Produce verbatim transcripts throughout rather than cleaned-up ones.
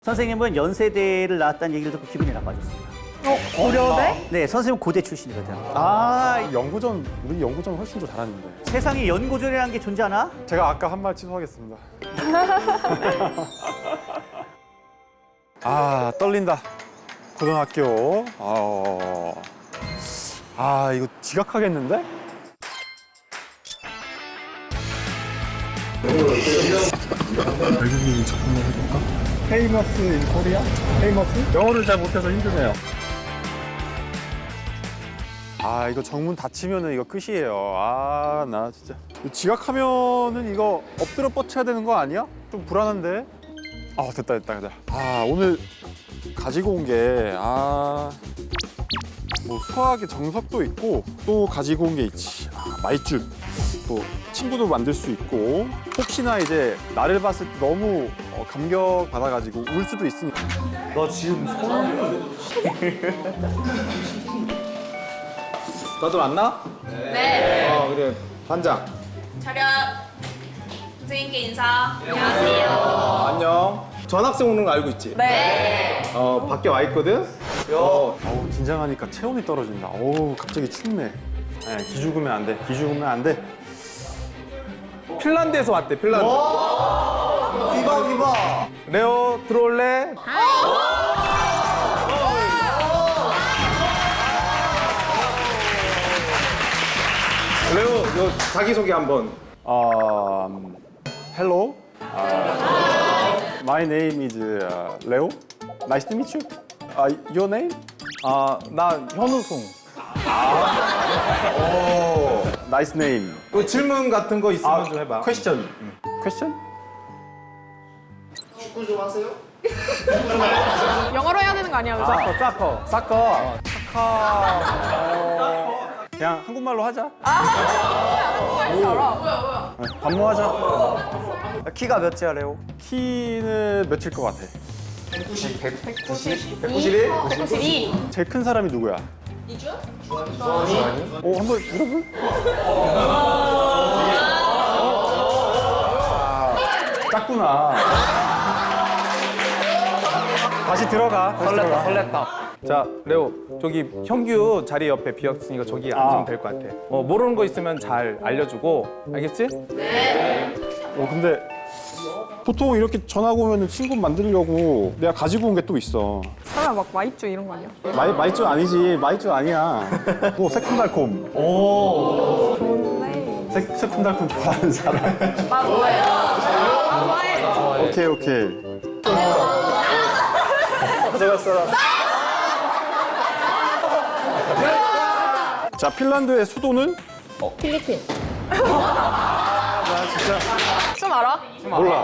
선생님은 연세대를 나왔다는 얘기를 듣고 기분이 나빠졌습니다. 어, 고려대? 네, 선생님 고대 출신이거든. 아, 연구전, 우리 연구전 훨씬 더 잘하는데. 세상에 연고전이라는 게 존재하나? 제가 아까 한 말 취소하겠습니다. 아, 떨린다. 고등학교. 아, 아 이거 지각하겠는데? 외국인 작품을 해볼까? 페이머스 인 코리아? 페이머스? 영어를 잘 못해서 힘드네요. 아, 이거 정문 닫히면은 이거 끝이에요. 아, 나 진짜. 지각하면은 이거 엎드려 뻗쳐야 되는 거 아니야? 좀 불안한데? 아, 됐다, 됐다, 됐다. 아, 오늘 가지고 온 게, 아. 뭐 수학의 정석도 있고 또 가지고 온 게 있지. 아, 말줄. 또 친구도 만들 수 있고 혹시나 이제 나를 봤을 때 너무 어, 감격 받아가지고 울 수도 있으니까. 너 지금 너도 왔나? 네. 어 그래 반장. 차렷. 선생님께 인사. 안녕하세요. 어, 안녕. 전학생 오는 거 알고 있지? 네. 어 밖에 와 있거든. 어, 어우, 긴장하니까 체온이 떨어진다. 어우, 갑자기 춥네. 네, 기죽으면 안 돼. 기죽으면 안 돼. 핀란드에서 왔대. 핀란드. 기바 기바. 레오 들어올래? 레오, 너 자기 소개 한번. Um, hello. Uh, my name is uh, Leo. Nice to meet you. Uh, your name? 아, 나 현우송. Nice name. 그 질문 같은 거 있으면 좀 해봐. Question. Question? 영어로 해야 되는 거 아니야, 그죠? 사커, 사커. 사커. 사커. 어, 그냥 한국말로 하자. 네, 반모하자. 키가 몇이야 레오? 키는 몇일 것 같아? 백구십일? 백구십이. 제일 큰 사람이 누구야? 이주환? 주환이? 어, 한번 물어볼? 작구나. 다시 들어가. 다시 들어가. 설렜다. 자, 레오, 저기 형규 자리 옆에 비었으니까 저기 앉으면 될 것 같아. 어, 모르는 거 있으면 잘 알려주고, 알겠지? 어, 근데 보통 이렇게 전화가 오면 친구 만들려고 내가 가지고 온 게 또 있어. 설마 막 마이쮸 이런 거 아니야? 마이, 마이쮸 아니지. 마이쮸 아니야. 뭐 새콤달콤. 좋은데. 새, 새콤달콤 좋아하는 사람. 나 좋아해. 나 좋아해. 오케이, 오케이. 자, 핀란드의 수도는? 필리핀. 좀 알아? 몰라.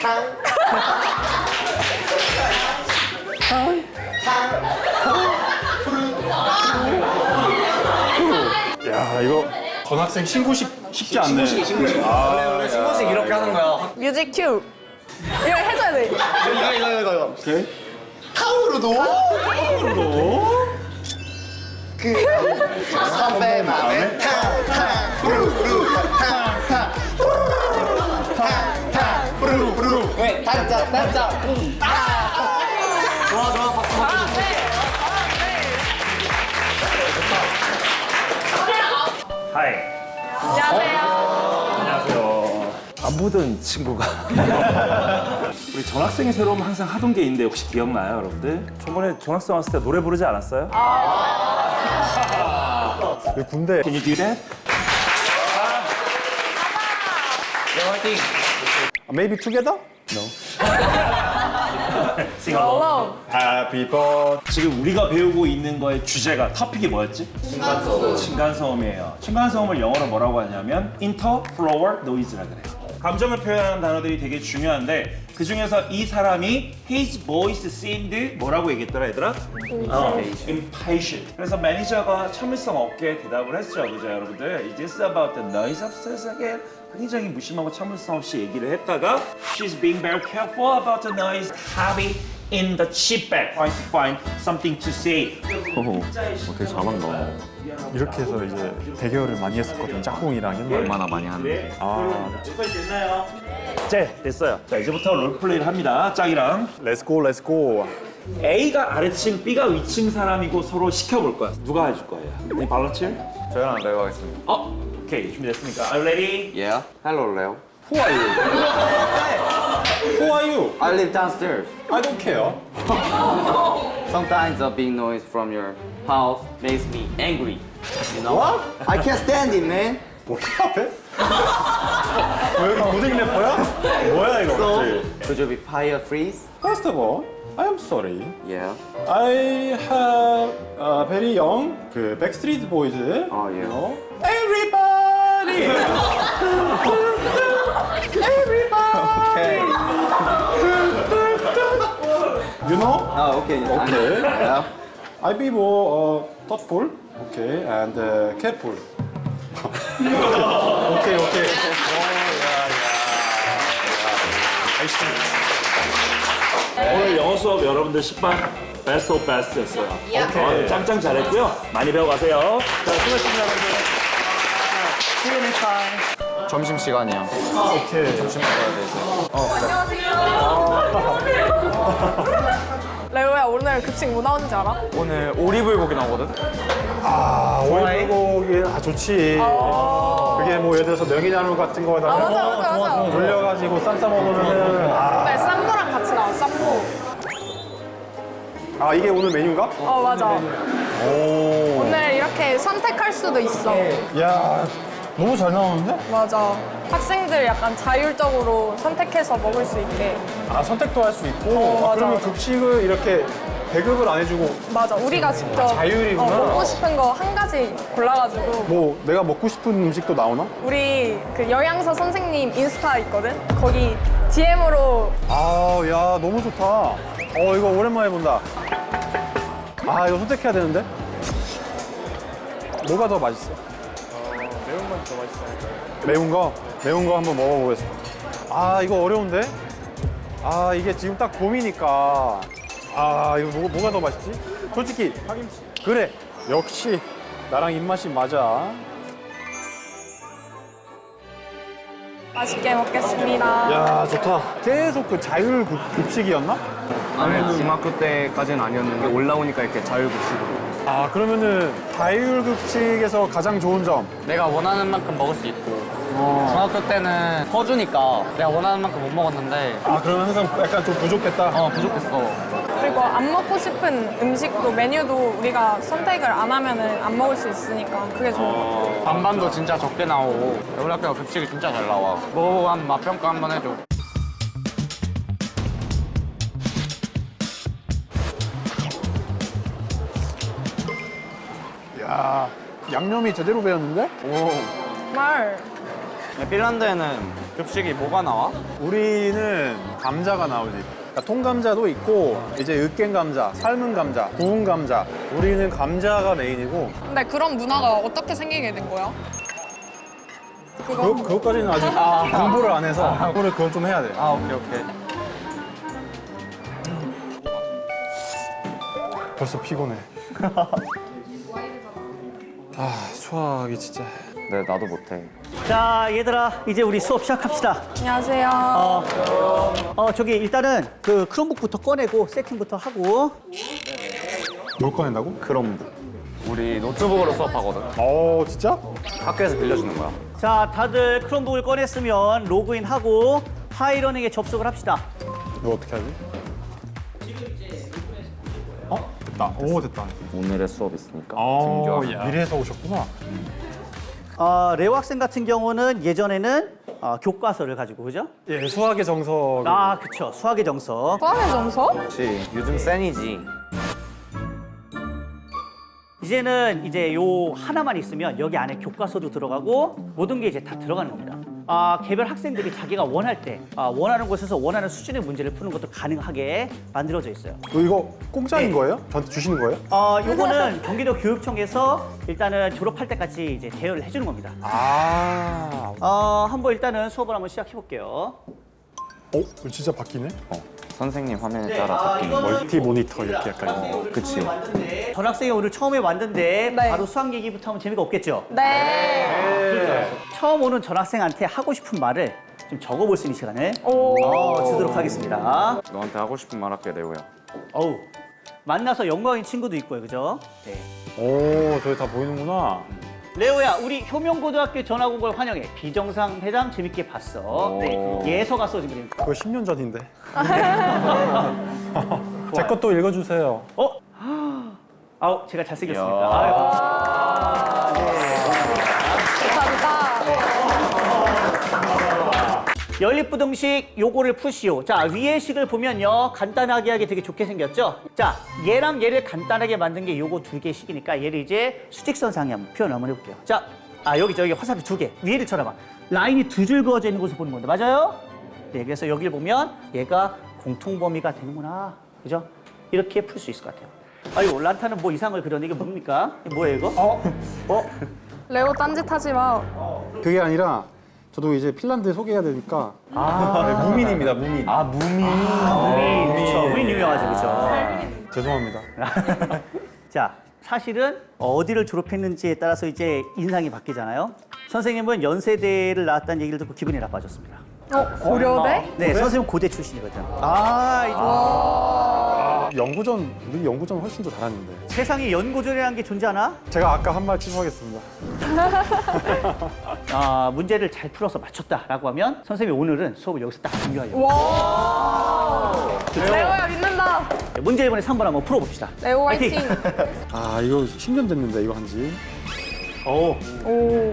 야, 이거 전학생 신고식 쉽지 않네. 신고식. 원래 신고식 이렇게 하는 거야. 뮤직 큐. 이거 해줘야 돼. 이거 이거 이거 이거. 오케이. 탕후루도. 탕후루도. 그 선배 맘에 탕탕 후루루 탕탕 후루루 탕탕 후루루. 왜 단짝 단짝. 좋아 좋아 박수 박수. 하이. 안녕하세요. 안녕하세요. 안 보던 친구가 우리 전학생이 새로 오면 항상 하던 게 있는데 혹시 기억나요, 여러분들? 저번에 전학생 왔을 때 노래 부르지 않았어요? 왜 군대? Can you do that? Maybe together? Alone. Happy birthday. 지금 우리가 배우고 있는 거의 주제가 토픽이 뭐였지? 층간소음. 층간소음이에요. 층간소음을 영어로 뭐라고 하냐면 interfloor noise라 그래요. 감정을 표현하는 단어들이 되게 중요한데 그 중에서 이 사람이 his voice seemed 뭐라고 얘기했더라 얘들아? 어, impatient. 그래서 매니저가 참을성 없게 대답을 했죠, 그죠 여러분들? Is this about the noise upstairs again? 굉장히 무심하고 참을성 없이 얘기를 했다가 She's being very careful about the noise having in the chip bag trying to find something to say. 되게 잘한다. 이렇게 해서 이제 대결을 많이 했었거든. 짝꿍이랑 옛날에. 얼마나 많이 하는데. 아, 여기까지 됐나요? 네, 됐어요. 자, 이제부터 롤플레이를 합니다. 짝이랑. 렛츠고 렛츠고. A가 아래층, B가 위층 사람이고 서로 시켜볼 거야. 누가 해줄 거예요? 네, 발런티어? 저랑 레오 하겠습니다. 어, 오케이. 준비됐습니까? Are you ready? Yeah. Hello, Leo. Who are you? Who are you? I live downstairs. I don't care. Sometimes the big noise from your house makes me angry. You know? What? I can't stand it, man. 뭐야 앞에? 왜 여기 고등 래퍼야? 뭐야 이거? So, 갑자기? could you be fire freeze? First of all, I am sorry. Yeah. I have a very young 그 Backstreet Boys. Oh, yeah. You know? Everybody. Okay. You know? Oh, okay. Okay. Yeah. I be more uh, thoughtful. Okay, and uh, careful. 오케이 오케이. 오늘 영어 수업 여러분들 십 반 베스트 오브 베스트였어요. 오케이. 짱짱 잘했고요. 많이 배워가세요. 자, 수고하셨습니다, 여러분들. See you next time. 점심 시간이야. 오케이. 점심 먹어야 돼 이제. 레오야 오늘 급식 뭐 나오는지 알아? 오늘 오리불고기 나오거든. 아, 오이불고기 아 좋지. 그게 뭐 예를 들어서 명이나물 같은 거에다가 아 맞아 맞아 맞아. 돌려가지고 쌈 싸 먹으면은 아, 네, 쌈무랑 같이 나와 쌈무. 아 이게 오늘 메뉴인가? 어 맞아. 오. 오늘 이렇게 선택할 수도 있어. 야, 너무 잘 나오는데? 맞아. 학생들 약간 자율적으로 선택해서 먹을 수 있게. 아 선택도 할 수 있고. 어, 아, 맞아, 그러면 맞아. 급식을 이렇게 배급을 안 해주고 맞아. 우리가 직접 자율이구나. 어, 먹고 싶은 거 한 가지 골라가지고. 뭐 내가 먹고 싶은 음식도 나오나? 우리 그 영양사 선생님 인스타 있거든? 거기 디엠으로 아, 야 너무 좋다. 어 이거 오랜만에 본다. 아 이거 선택해야 되는데? 뭐가 더 맛있어? 매운 건 더 맛있어. 매운 거? 매운 거 한번 먹어보겠습니다. 아 이거 어려운데? 아 이게 지금 딱 봄이니까 아 이거 뭐, 뭐가 더 맛있지? 솔직히 파김치. 그래 역시 나랑 입맛이 맞아. 맛있게 먹겠습니다. 야 좋다. 계속 그 자율 급- 급식이었나? 아니 중학교 때까지는 아니었는데 올라오니까 이렇게 자율급식으로. 아 그러면은 자율 급식에서 가장 좋은 점. 내가 원하는 만큼 먹을 수 있고 중학교 때는 퍼주니까 내가 원하는 만큼 못 먹었는데 아 그러면 항상 약간 좀 부족했다. 어 부족했어. 그리고 안 먹고 싶은 음식도 메뉴도 우리가 선택을 안 하면은 안 먹을 수 있으니까 그게 좋은 것 같아. 반반도 진짜 적게 나오고 우리 학교가 급식이 진짜 잘 나와. 먹어보고 한 맛평가 한번 해줘. 야 양념이 제대로 배었는데? 정말 핀란드에는 급식이 뭐가 나와? 우리는 감자가 나오지. 그러니까 통감자도 있고 이제 으깬 감자, 삶은 감자, 구운 감자. 우리는 감자가 메인이고 근데 그런 문화가 어떻게 생기게 된 거야? 그, 그것까지는 아직 공부를 안 해서 공부를 그건 좀 해야 돼. 아 오케이 오케이. 벌써 피곤해. 아 수학이 진짜. 네, 나도 못해. 자, 얘들아, 이제 우리 수업 시작합시다. 안녕하세요. 어, 어 저기 일단은 그 크롬북부터 꺼내고 세팅부터 하고. 뭘 꺼낸다고? 크롬북. 우리 노트북으로 수업하거든. 어 진짜? 학교에서 빌려주는 거야. 자, 다들 크롬북을 꺼냈으면 로그인하고 하이러닝에 접속을 합시다. 이거 어떻게 하지? 어? 됐다. 오 됐다. 오늘의 수업 있으니까 어, 등교하고. 미래에서 오셨구나. 어, 레오 학생 같은 경우는 예전에는 어, 교과서를 가지고 그죠? 예, 수학의 정석. 아, 그쵸. 수학의 정석. 수학의 정서? 그렇지. 요즘 센이지. 이제는 이제 요 하나만 있으면 여기 안에 교과서도 들어가고 모든 게 이제 다 들어가는 겁니다. 아, 개별 학생들이 자기가 원할 때 아, 원하는 곳에서 원하는 수준의 문제를 푸는 것도 가능하게 만들어져 있어요. 어, 이거 공짜인 네. 거예요? 저한테 주시는 거예요? 어, 요거는 경기도 교육청에서 일단은 졸업할 때까지 이제 대여를 해주는 겁니다. 아, 어, 한번 일단은 수업을 한번 시작해 볼게요. 어? 이거 진짜 바뀌네? 어. 선생님 화면에 네, 따라 아, 바뀌는 이거는 멀티 모니터 이렇게 약간. 전학생이 오늘 그치. 처음에 왔는데, 전학생이 오늘 처음에 왔는데 네. 바로 수학 얘기부터 하면 재미가 없겠죠? 네. 처음 오는 전학생한테 하고 싶은 말을 좀 적어볼 수 있는 시간을 오. 어, 주도록 하겠습니다. 너한테 하고 싶은 말 할게 레오야. 어우, 만나서 영광인 친구도 있고요, 그죠? 네. 오, 저기 다 보이는구나. 레오야, 우리 효명고등학교 전학 온 걸 환영해. 비정상 회담 재밌게 봤어. 네. 예서가 써진 그림. 그거 십 년 전인데. 제 것도 읽어주세요. 어? 아우, 제가 잘생겼습니다. 야. 아유, 감사합니다. 네. 감사합니다. 연립부등식 요거를 푸시오. 자, 위의 식을 보면요. 간단하게 하기 되게 좋게 생겼죠? 자, 얘랑 얘를 간단하게 만든 게 요거 두 개의 식이니까 얘를 이제 수직선상에 한번 표현 한번 해볼게요. 자, 아, 여기 저기 화살표 두 개. 위를 쳐다봐. 라인이 두 줄 그어져 있는 곳을 보는 건데, 맞아요? 네, 그래서 여기를 보면 얘가 공통범위가 되는구나. 그죠? 이렇게 풀 수 있을 것 같아요. 아유, 란타는 뭐 이상을 그려내. 이게 뭡니까? 이게 뭐예요, 이거? 어? 어? 레오 딴짓하지 마. 그게 아니라 저도 이제 핀란드 소개해야 되니까. 아, 무민입니다, 무민. 아, 무민. 무민. 그쵸. 무민 유명하죠, 그쵸? 죄송합니다. 자, 사실은 어디를 졸업했는지에 따라서 이제 인상이 바뀌잖아요. 선생님은 연세대를 나왔다는 얘기를 듣고 기분이 나빠졌습니다. 어, 고려대? 네, 선생님 고대 출신이거든. 아, 아, 연구전, 우리 연구전 훨씬 더 잘하는데. 세상에 연고전이라는 게 존재하나? 제가 아까 한 말 취소하겠습니다. 아, 문제를 잘 풀어서 맞췄다라고 하면 선생님이 오늘은 수업을 여기서 딱 종료하려고. 와. 레오야 믿는다. 네, 문제 이번에 삼 번 한번 풀어봅시다. 레오 화이팅! 화이팅. 아, 이거 십 년 됐는데, 이거 한지. 오. 오.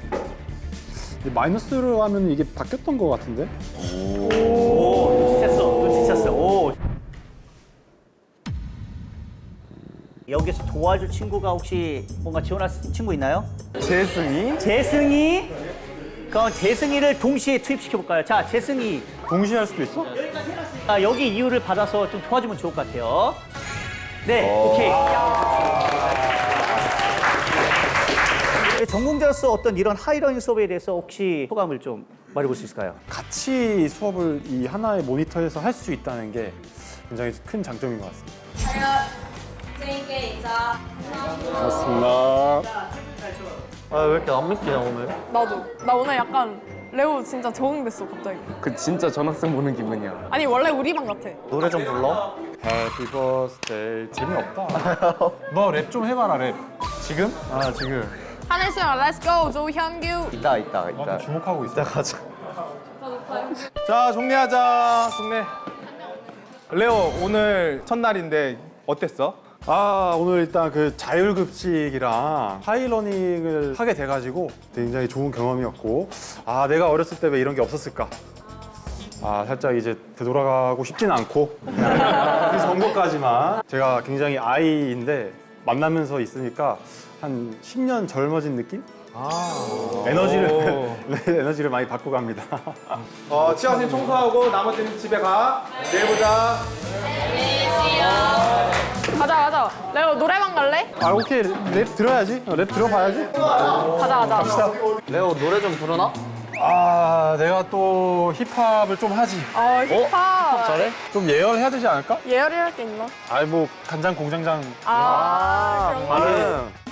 마이너스로 하면 이게 바뀌었던 것 같은데? 오, 눈치챘어, 눈치챘어. 오. 여기서 도와줄 친구가 혹시 뭔가 지원할 친구 있나요? 재승이? 재승이? 그럼 재승이를 동시에 투입시켜볼까요? 자, 재승이. 동시에 할 수도 있어? 아, 여기 이유를 받아서 좀 도와주면 좋을 것 같아요. 네, 오케이. 전공자로서 어떤 이런 하이러닝 수업에 대해서 혹시 소감을 좀 말해볼 수 있을까요? 같이 수업을 이 하나의 모니터에서 할 수 있다는 게 굉장히 큰 장점인 것 같습니다. 차렷. 선생님께 인사. 고맙습니다. 아 왜 이렇게 안 믿기냐 오늘? 나도. 나 오늘 약간 레오 진짜 적응됐어 갑자기. 그 진짜 전학생 보는 기분이야. 아니 원래 우리 반 같아. 노래 좀 불러? Happy birthday. 재미없다. 너 랩 좀 해봐라, 랩. 지금? 아, 지금. 하늘 씨랑 렛츠 고 조현규. 이따 이따 나한테 이따. 주목하고 있어. 가자. 자, 정리하자. 정리. 레오, 오늘 첫날인데 어땠어? 아, 오늘 일단 그 자율급식이랑 하이러닝을 하게 돼가지고 굉장히 좋은 경험이었고, 아, 내가 어렸을 때 왜 이런 게 없었을까? 아, 살짝 이제 되돌아가고 싶지는 않고 그 정도까지만. 제가 굉장히 아이인데 만나면서 있으니까 한 십 년 젊어진 느낌? 에너지를 네, 에너지를 많이 받고 갑니다. 어, 치아쌤 청소하고 나머지는 집에 가. 내일 보자. 가자 가자. 레오 노래방 갈래? 아, 오케이. 랩 들어야지. 어, 랩 들어봐야지. 가자 가자. 레오 노래 좀 부르나? 아, 내가 또 힙합을 좀 하지. 어 힙합. 잘해? 좀 예열해야 되지 않을까? 예열이 할 게 있나? 아이, 뭐 간장 공장장. 아, 그런 거. 나는